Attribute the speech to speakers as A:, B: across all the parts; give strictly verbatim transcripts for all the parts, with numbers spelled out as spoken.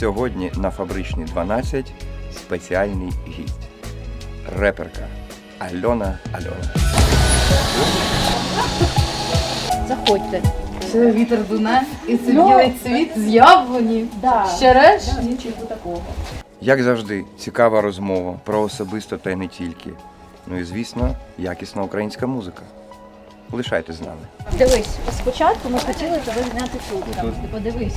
A: Сьогодні на Фабричній дванадцять спеціальний гість. Реперка Альона Альона.
B: Заходьте.
C: Це вітер дуне і це білий цвіт з яблуні.
B: Да.
C: Щереш?
B: Да, нічого такого.
A: Як завжди, цікава розмова про особисто та й не тільки. Ну і, звісно, якісна українська музика. Лишайтесь з нами.
B: Дивись, спочатку ми хотіли тебе зняти тут. Там, ти подивись.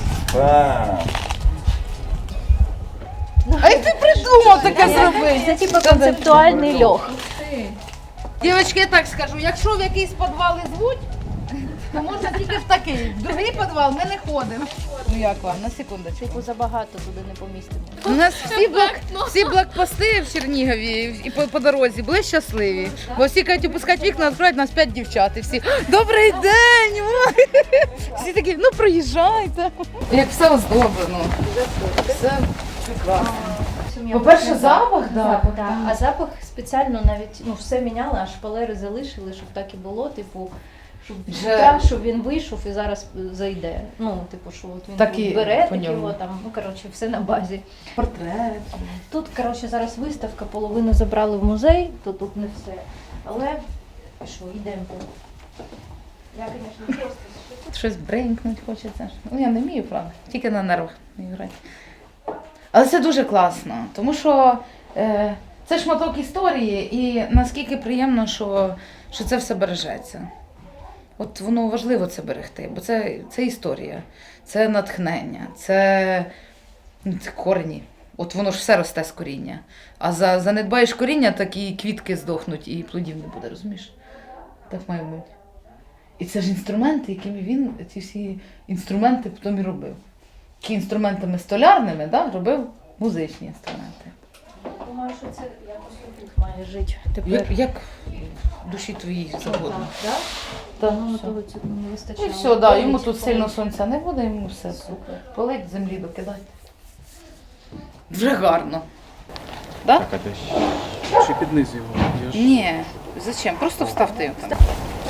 C: А як ти придумав таке зробити?
B: Це типу концептуальний льох.
C: Дівчатки, я так скажу, якщо в якийсь підвал і звуть, то можна тільки в такий. В другий підвал ми не ходимо. Ну як вам, на секундочку.
B: Типу забагато туди не помістимо.
C: У нас всі, блок, всі блокпости в Чернігові і по, по дорозі були щасливі. Бо всі кажуть, опускати вікна, відкривають нас п'ять дівчат. І всі «Добрий день!» Всі такі, ну проїжджайте. Як все оздоблено. Все прекрасно. По-перше, запах, да.
B: Запах, да. А запах спеціально навіть ну, все міняли, а шпалери залишили, щоб так і було, типу, щоб
C: Вже-
B: щоб він вийшов і зараз зайде. Ну, типу, що от він
C: Так і
B: бере
C: по
B: так
C: ньому.
B: його там, ну коротше, все на базі.
C: Портрет.
B: Тут, коротше, зараз виставка, половину забрали в музей, то тут не все. Але що, йдемо. Я, звісно, не просто.
C: Щось бренькнуть хочеться. Ну, я не вмію, правда. Тільки на нервах вмію грати. Але це дуже класно, тому що е, це шматок історії, і наскільки приємно, що, що це все бережеться. От воно важливо це берегти, бо це, це історія, це натхнення, це, ну, це корені. От воно ж все росте з коріння. А за, занедбаєш коріння, так і квітки здохнуть, і плодів не буде, розумієш? Так має бути. І це ж інструменти, якими він ці всі інструменти потім і робив. Які інструментами столярними, да, робив музичні інструменти.
B: Думаю, що це якось тут має жити. Тепер.
C: Як, як душі твої завгодно.
B: Так,
C: Так,
B: ну,
C: все.
B: того цього не вистачало.
C: І все, да, йому
B: Полить,
C: тут сильно
B: полить.
C: сонця не буде, йому все.
B: Супер.
C: Полить, землі докидати. Вже гарно. Да?
D: Так, а ти ще, ще під низ його. Я ж
C: Ні, зачем? Просто вставте його там.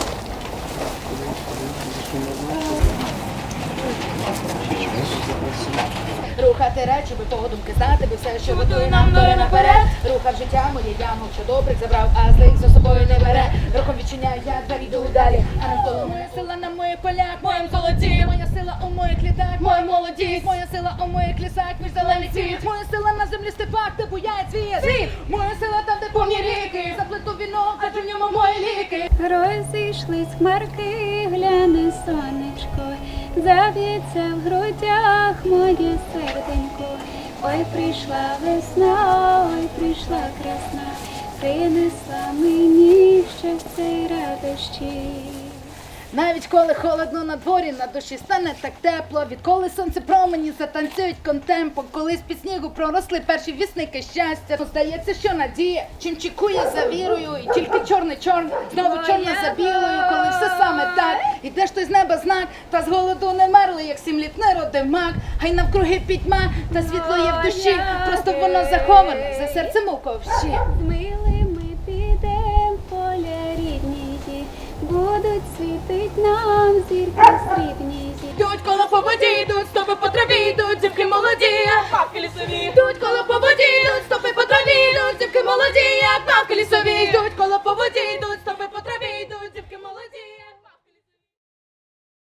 E: Рухати речі, би подумки знати, би все, що готує нам доля наперед. Рухав життя моє, я мовчу добрих забрав, а злих за собою не бере. Рухом відчиняю, я двері йду далі. А навколо моя сила на моїх полях, моїм золоті. Моя сила у моїх літах, моя молодість. Моя сила у моїх лісах, між зелений світ. Моя сила на землі степах, де буяє цвіт. Світ! Моя сила там, де повні ріки. Заплету вінок, адже в ньому мої ліки.
F: Розійшлись хмарки, гляне сонечко, заб'ється в грудях моє серденько. Ой, прийшла весна, ой, прийшла красна, принесла мені щастя й радощі.
E: Навіть коли холодно на дворі, на душі стане так тепло. Відколи сонце промені затанцюють контемпо. Коли з-під снігу проросли перші вісники щастя. То здається, що надія, чим чекує за вірою. І тільки чорний чорн, знову чорне за білою. Коли все саме так, іде ж той з неба знак. Та з голоду не мерли, як сім літ не родив мак. Хай навкруги пітьма, та світло є в душі. Просто воно заховане за серцем у ковші.
F: Милими підем в поля рідні, будуть світить нам зірки срібні.
E: Йдуть коло по воді, йдуть, стопи по траві, йдуть, дівки молоді, як мавки лісові. Йдуть коло по воді, йдуть, стопи по траві, йдуть, дівки молоді, як мавки лісові. Йдуть коло по воді, йдуть, стопи по траві.